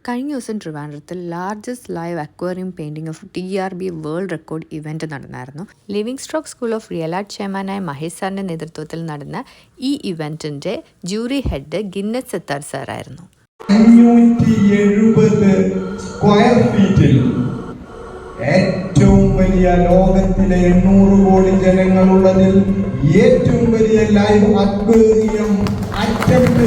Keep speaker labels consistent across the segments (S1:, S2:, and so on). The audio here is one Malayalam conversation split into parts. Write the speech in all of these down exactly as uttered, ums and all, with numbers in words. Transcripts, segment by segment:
S1: കഴിഞ്ഞ ദിവസം ട്രിവാൻഡ്രത്തിൽ largest live aquarium painting of T R B world record event നടന്നായിരുന്നു. Living stock school of real art ചെയർമാനായ മഹേഷ് സാറിൻ്റെ നേതൃത്വത്തിൽ നടന്ന ഈ ഇവൻറ്റിൻ്റെ ജൂറി ഹെഡ് ഗിന്നസ് സത്താർ സാറായിരുന്നു.
S2: അഞ്ഞൂറ്റി എഴുപത് സ്ക്വയർ ഫീറ്റിൽ ഏറ്റവും വലിയ ലോകത്തിലെ എണ്ണൂറ് കോടി ജനങ്ങളുള്ളതിൽ ഏറ്റവും വലിയ ലൈവ് അക്വേറിയം അറ്റംപ്റ്റ്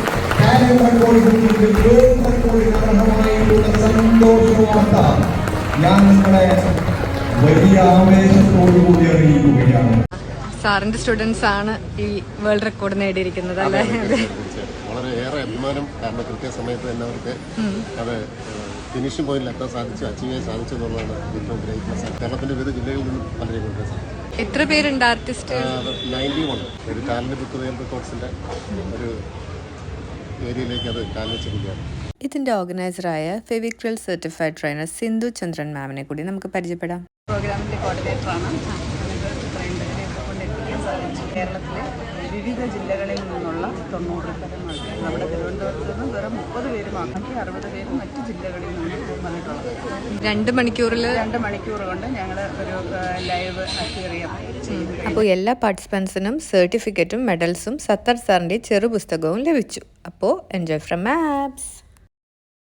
S2: സന്തോഷവാർത്ത ഞാൻ നിങ്ങളെ വലിയ ആവേശത്തോടുകൂടി അറിയിക്കുകയാണ്.
S1: സാറിന്റെ സ്റ്റുഡൻസ് ആണ് ഈ വേൾഡ് റെക്കോർഡ് നേടിയിരിക്കുന്നത് അല്ലേ?
S3: വളരെയേറെ അഭിമാനം. കാരണം കൃത്യസമയത്ത് തന്നെ അവർക്ക് അത് ഫിനിഷിംഗ് പോയിന്റിൽ എത്താൻ സാധിച്ചു, അച്ചീവ് ചെയ്യാൻ സാധിച്ചു എന്നുള്ളതാണ് ഏറ്റവും ഗ്രേറ്റ്നസ്. കേരളത്തിന്റെ വിവിധ ജില്ലകളിൽ നിന്നും പലരെയും കൊണ്ടുവരാൻ സാധിച്ചു.
S1: എത്ര പേരുണ്ട് ആർട്ടിസ്റ്റ്?
S3: നയൻറ്റി വൺ ഒരു ടാലന്റ് ബുക്ക് റിയൽ റെക്കോർഡ്സിന്റെ ഒരു ഏരിയയിലേക്ക് അത് കാലിച്ചിരിക്കുകയാണ്.
S1: ഇതിന്റെ ഓർഗനൈസറായ Fevicryl certified trainer Sindhu Chandran മാമിനെ കൂടി നമുക്ക് പരിചയപ്പെടാം.
S4: പ്രോഗ്രാമിന്റെ കോർഡിനേറ്ററാണ്. കേരളത്തിലെ വിവിധ ജില്ലകളിൽ നിന്നുള്ള തൊണ്ണൂറ് തരം ആൾക്കാർ നമ്മുടെ തിരുവനന്തപുരത്ത് നിന്ന് വെറും മുപ്പത് പേര് മാത്രം, അറുപത് പേര് മറ്റു ജില്ലകളിൽ നിന്ന് വന്നിട്ടുള്ളത്.
S1: രണ്ട് മണിക്കൂറിൽ
S4: രണ്ട് മണിക്കൂർ കൊണ്ട് ഞങ്ങൾ ഒരു ലൈവ് അക്വേറിയം ചെയ്തു.
S1: അപ്പോൾ എല്ലാ പാർട്ടിസിപ്പൻസിനും സർട്ടിഫിക്കറ്റും മെഡൽസും സത്താർ സാറിൻ്റെ ചെറു പുസ്തകവും ലഭിച്ചു. അപ്പോൾ എൻജോയ് ഫ്രം മാപ്സ്.